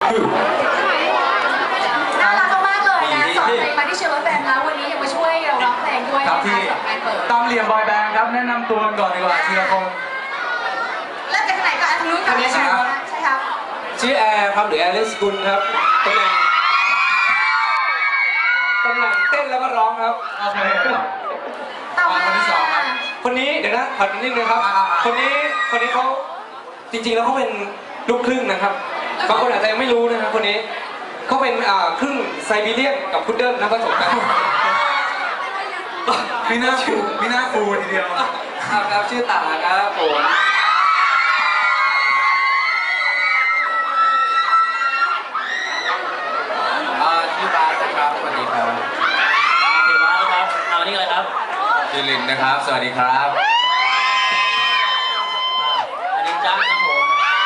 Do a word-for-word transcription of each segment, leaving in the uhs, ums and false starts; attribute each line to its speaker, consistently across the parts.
Speaker 1: น่ารักมากเลยนะสอนเพลงมาที่เชลล์แฟนแล้ววันนี้ยังมาช่วยเราร้องเพลงด้วยนะคะสำหรับการเปิด
Speaker 2: ตามเหลี่ยมบอยแบนด์ครับแนะนำตัวก่อนดีกว่าทีละคน
Speaker 1: เริ่มจากไหนก่อนอันนู้นก่อนใช่ครับใช่ครับ
Speaker 3: ชื่อแอร์ครับหรือแอร์เลสกุลครับตำแหน่งตำแหน่งเต้นแล้วก็ร้องครับ
Speaker 2: โอเค
Speaker 1: ต่อมา
Speaker 2: คนที่สองครับ
Speaker 3: คนนี้เดี๋ยวนะขอนิดนึงครับคนนี้คนนี้เขาจริงๆแล้วเขาเป็นลูกครึ่งนะครับบางคนอาจจะยังไม่รู้นะครับคนนี้เขาเป็นครึ่งไซบีเรียนกับพุดเดิ้ลนะผสมกัน
Speaker 2: มีหน้าฟูมีหน้าฟูทีเดียว
Speaker 3: ครับครับชื่อตาครับผมชื่อบาสครับสวัสดีครับ
Speaker 4: ชื่อบาสครับเอานี่เลยครับ
Speaker 3: ชื่อลินนะครับสวัสดีครับ
Speaker 4: อันนี้จ้าครับผม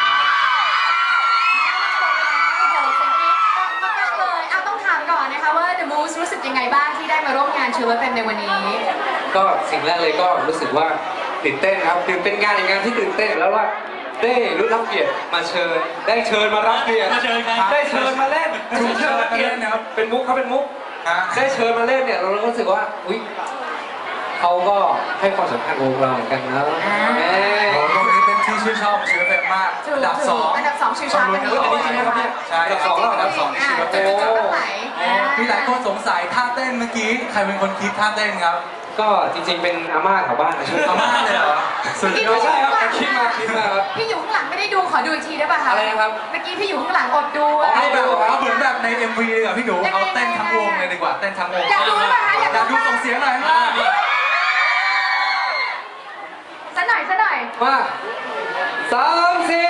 Speaker 1: ต้องถามก่อนนะคะว่า The Moose รู้สึกยังไงบ้างที่ได้มาร่วมงานเชลล์แฟนในวันนี้
Speaker 3: ก็สิ่งแรกเลยก็รู้สึกว่าตื่นเต้นครับตื่นเป็นงานในงานที่ตื่นเต้นแล้วว่าได้รู้รับเกียรติมาเชิญได้เชิญมารับเกียรติได้เชิญมาเล่น
Speaker 2: ถูกเชิญมาเล่นนะครับ
Speaker 3: เป็นมุกเขาเป็นมุกได้เชิญมาเล่นเนี่ยเรารู้สึกว่าอุ้ยเขาก็ให้ความสำคัญกับเราเหมือนกันนะ
Speaker 2: โอ้โหตรงนี้เป็นที่ชื่นชอบเชลล์แฟนมากอันดับสอง
Speaker 1: อันดับสองชื่อชาร์
Speaker 2: อันนี้จริงครับเนี่ยใช่อันดับสองแล้วอันดับสองนี่เชลล์แฟนมีหลายคนสงสัยท่าเต้นเมื่อกี้ใครเป็นคนคิดท่าเต้นครับ
Speaker 3: ก็จริงๆเป็นอาม่าแถวบ้านนะ
Speaker 2: อาม่าเลยเหรอ
Speaker 3: สุดยอดใช่ครับคิดมาคิดมาครับ
Speaker 1: พี่อยู่ข้างหลังไม่ได้ดูขอดูอีกทีได้ป่ะคะ
Speaker 3: อะไรนะครับ
Speaker 1: เมื่อกี้พี่อยู่ข้างหลังอดดู
Speaker 2: เอาแบบเอาเหมือนแบบใน เอ็ม วี เลยเหรอพี่หนูเอาเต้นทั้งวงเลยดีกว่าเต้นทั้งวง
Speaker 1: อยากดูหรือเปล่าคะ
Speaker 2: อยากดูส่งเสียงหน่อยมา
Speaker 1: สักหน่อยสักหน่อย
Speaker 3: มาสามสี่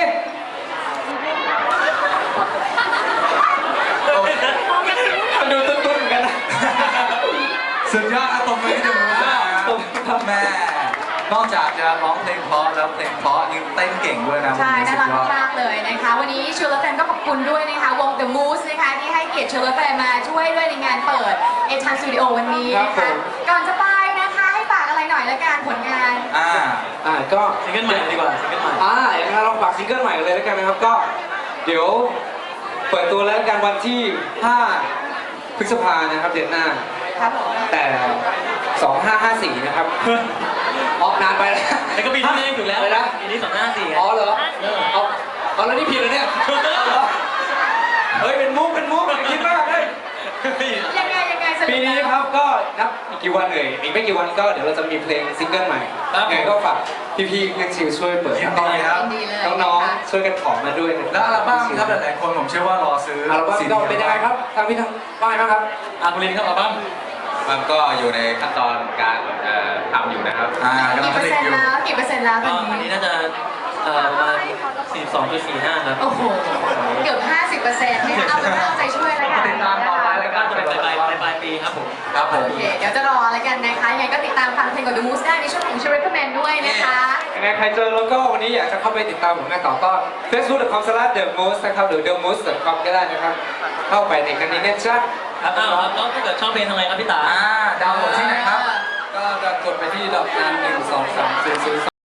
Speaker 3: ดูตุ้นๆกันนะ
Speaker 2: สุดยอดอะตบมือให้ดูนะแม่นอกจากจะร้องเพลงเพราะแล้วเพลงเพราะยังเต้นเก่งด้วยนะ
Speaker 1: ใช่น่ารักมากเลยนะคะวันนี้เชลล์แฟนก็ขอบคุณด้วยนะคะวง The Moose นะคะที่ให้เกียรติเชลล์แฟนมาช่วยด้วยในงานเปิดเอทันสตูดิโอวันนี้นะคะก่อนจะไปนะคะให้ฝากอะไรหน่อยละกันผลงาน
Speaker 2: อ่า
Speaker 3: อ่าก็
Speaker 4: ซิงเกิลใหม่ดีกว่าซิงเกิลใหม่
Speaker 3: อ่าอย่างนั้นเราฝากซิงเกิลใหม่เลยแล้วกันนะครับก็เดี๋ยวเปิดตัวแล้วกันวันที่ห้าพฤษภานะครับเดือนหน้า
Speaker 1: ครับผม
Speaker 3: แต่สองห้าห้าสี่นะครับออกนานไปแล้ว
Speaker 4: แต่ก็ปีที่แล้วถูกแล้ว
Speaker 3: เลยนะ
Speaker 4: ปีนี้สองห้าสี่
Speaker 3: อ๋อเหรอเอาเอาแล้วนี่ผิดเลยเนี่ยเฮ้ยเป็นมุกเป็นมุกคิดมากเลย
Speaker 1: ยังไงยังไง
Speaker 3: ปีนี้ครับก็นับอีกกี่วันเลยอีกไม่กี่วันก็เดี๋ยวเราจะมีเพลงซิงเกิลใหม่ยังไงก็ฝากพี่ๆนักชิวช่วยเปิดน้องๆช่วยกันขอมาด้วย
Speaker 2: แล้วอัลบั้มครับหลายๆคนผมเชื่อว่ารอซื้อ
Speaker 3: อัลบั้มก็เป็นยังไงครับทางพี่ทางป้ายครับ
Speaker 4: อาคุณลินครับอัลบั้ม
Speaker 3: มันก็อยู่ในขั้นตอนการทำอยู่นะครับ
Speaker 2: อ่ากำลังผลิตอยู่
Speaker 1: กี่เปอร์เซ็นต์แล้วตอน
Speaker 4: นี้นี้น่าจะประมาณสี่สิบสองจุดสี่ห้าครับ
Speaker 1: โอ้โหเกือบห้าสิบเปอร์เซ็นต์เนี่ยเอาเป็นว่าเอาใจช่วยแล้วกัน
Speaker 2: ติดตามต่อไปแล้ว
Speaker 4: ก็จะเป็นปลายปลายปลายปีครับผม
Speaker 2: ครับผม
Speaker 1: โอเคเดี๋ยวจะรอแล้วกันนะคะยังไงก็ติดตามฟังเพลงของ The Moose ได้ในช่วงของ Recommend ด้วยนะคะ
Speaker 3: ยังไงใครเจอแล้วก็วันนี้อยากจะเข้าไปติดตามผมงานต่อก็ เฟซบุ๊ก ดอท คอม สแลช เดอะ มูส นะครับหรือ เดอะ มูส ดอท คอม ก็ได้นะครับเข้าไปในกันนี้นะจ๊ะ
Speaker 4: ครับอ้าวแล้วถ้าเกิดชอบเพลงทำไงครับพี่ตา
Speaker 2: อ่าดาวน์โหลดที่ไหนครับ
Speaker 3: ก็กดไปที่ดอกจันหนึ่งสองสามศูนย์ศูนย์